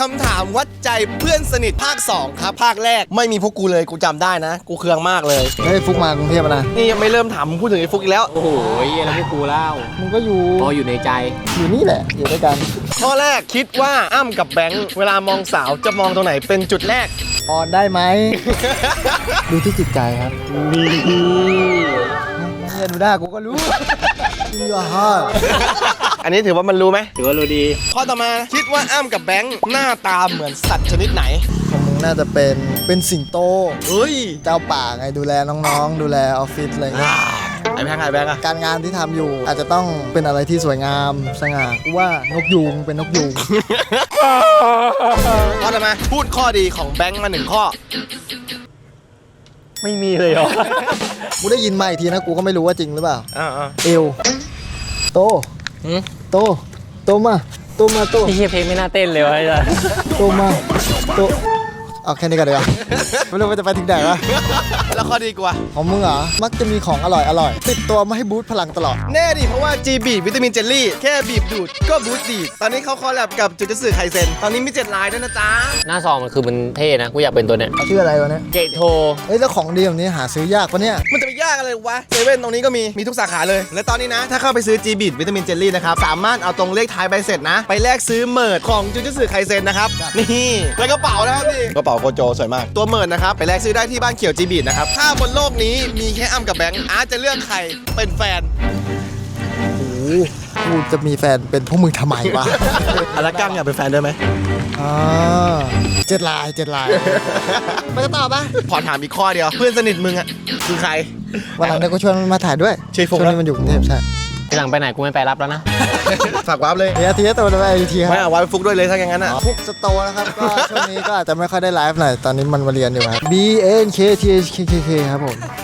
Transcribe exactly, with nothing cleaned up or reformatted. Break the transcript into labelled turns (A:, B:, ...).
A: คำถามวัดใจเพื่อนสนิทภาคสองครับภาคแรกไม่มีพวกกูเลยกูจำได้นะกูเคืองมากเลย
B: เฮ้ยฟุกมากรุงเทพนะ
A: นี่ยังไม่เริ่มถามพูดถึงไอ้ฟุกอีกแล้ว
C: โอ้โหแล้วพวกกูเล่า
B: มึงก็อยู่
C: พออยู่ในใจ
B: อยู่นี่แหละอยู่ด้วยกัน
A: ข้อแรกคิดว่าอ้ำกับแบงค์เวลามองสาวจะมองตรงไหนเป็นจุดแรก
B: ออนได้ไหม ดูที่จิตใจครับนี่เนี่ยดูหน้ากูก็รู้ In your heart
A: อันนี้ถือว่ามันรู้ไหม
C: ถือว่ารู้ดี
A: ข้อต่อมาคิดว่าอ้ำกับแบงค์หน้าตาเหมือนสัตว์ชนิดไหน
B: ของมึงน่าจะเป็นเป็นสิงโต
A: เฮ้ย
B: เจ้าป่าไงดูแลน้องๆ ดูแลออฟฟิศอะไรเงี้ย
A: ไอ้แบงค์ไอ้แบงค์อะ
B: การงานที่ทำอยู่อาจจะต้องเป็นอะไรที่สวยงามสง่ากูว่านกยูงเป็นนกยูง
A: ข้อต่อมาพูดข้อดีของแบงค์มาหนึ่งข้อ
C: ไม่มีเลยเหรอ
B: กูได้ยินมาอีกทีนะกูก็ไม่รู้ว่าจริงหรือเปล่า
A: อ่า
B: เอวโตโตโตมาโตมาโต
C: พี่เฮียเพลงไม่น่าเต้นเลยวะไอ้สัส
B: โตมาโตเอาแค่นี้ก่อนดีกว่าไม่รู้ว่าจะไปถึงไหนวะ
A: แล้วข้อดีกว่า
B: ของมึงเหรอมักจะมีของอร่อยอร่อยติดตัวมาให้บูสต์พลังตลอด
A: แน่ดิเพราะว่า G บีบวิตามินเจลลี่แค่บีบดูดก็บูสต์ดีดตอนนี้เขาคอลแลบกับจูจูสึไคเซ็นตอนนี้มีเจ็ดลายด้วยนะจ๊ะ
C: หน้าซองมันคือมันเท่นะ กูอยากเป็นตัวเนี้ย
B: ชื่ออะไรวะเนี่ย
C: เกตโท
B: เฮ้ยแล้วของดีแบบนี้หาซื้อยากปะเนี่ย
A: มันจะไปยากอะไรวะเซเว่นตรงนี้ก็มีมีทุกสาขาเลย และตอนนี้นะ ถ้าเข้าไปซื้อ G บีบวิตามินเจลลี่นะครับสามารถเอาตรงเลขท้ายใบเสร็จนะ ไปแลกซื้อเมิร์ดของจูจูสึไคเซ็นนะครับนี่แล้วกระเป๋านะครับนี่กระเป๋าโกโจสวยมากตัวเมิร์ดนะครับไปแลกซื้อได้ที่บ้านเขียว G บีบนะครับถ้าบนโลกนี้มีแค่อ้ำกับแบงค์อาร์ตจะเลือกใครเป็นแฟน
B: โอ้โหกูจะมีแฟนเป็นพวกมึงทำไมวะ
A: อารักกังอยากเป็นแฟนด้วยไหม
B: อ่าเจ็ดลายเจ็ดลายไปกันต่อปะ
A: ขอถามอีกข้อเดียวเพื่อนสนิทมึงอะคือใคร
B: วันหลังเดี๋ยวก็ชวนมันมาถ่ายด้วย
A: ชื่อฟุก
B: ช่วงนี้มันอยู่กรุงเทพใช่
C: ทีหลังไปไหนกูไม่ไปรับแล้วนะ
A: ฝากวาร์ปเลย
B: เดี๋ยวทีนี้ตัวไปอีกทีค
A: ไม่
B: รับ
A: เอาไว้ฟุกด้วยเลยถ้าอย่างนั้นอะ
B: ฟุกสโตร์นะครับ ก็ช่วงนี้ก็อาจจะไม่ค่อยได้ไลฟ์หน่อยตอนนี้มันมาเรียนอยู่ครับ B N K T H K K K ครับผม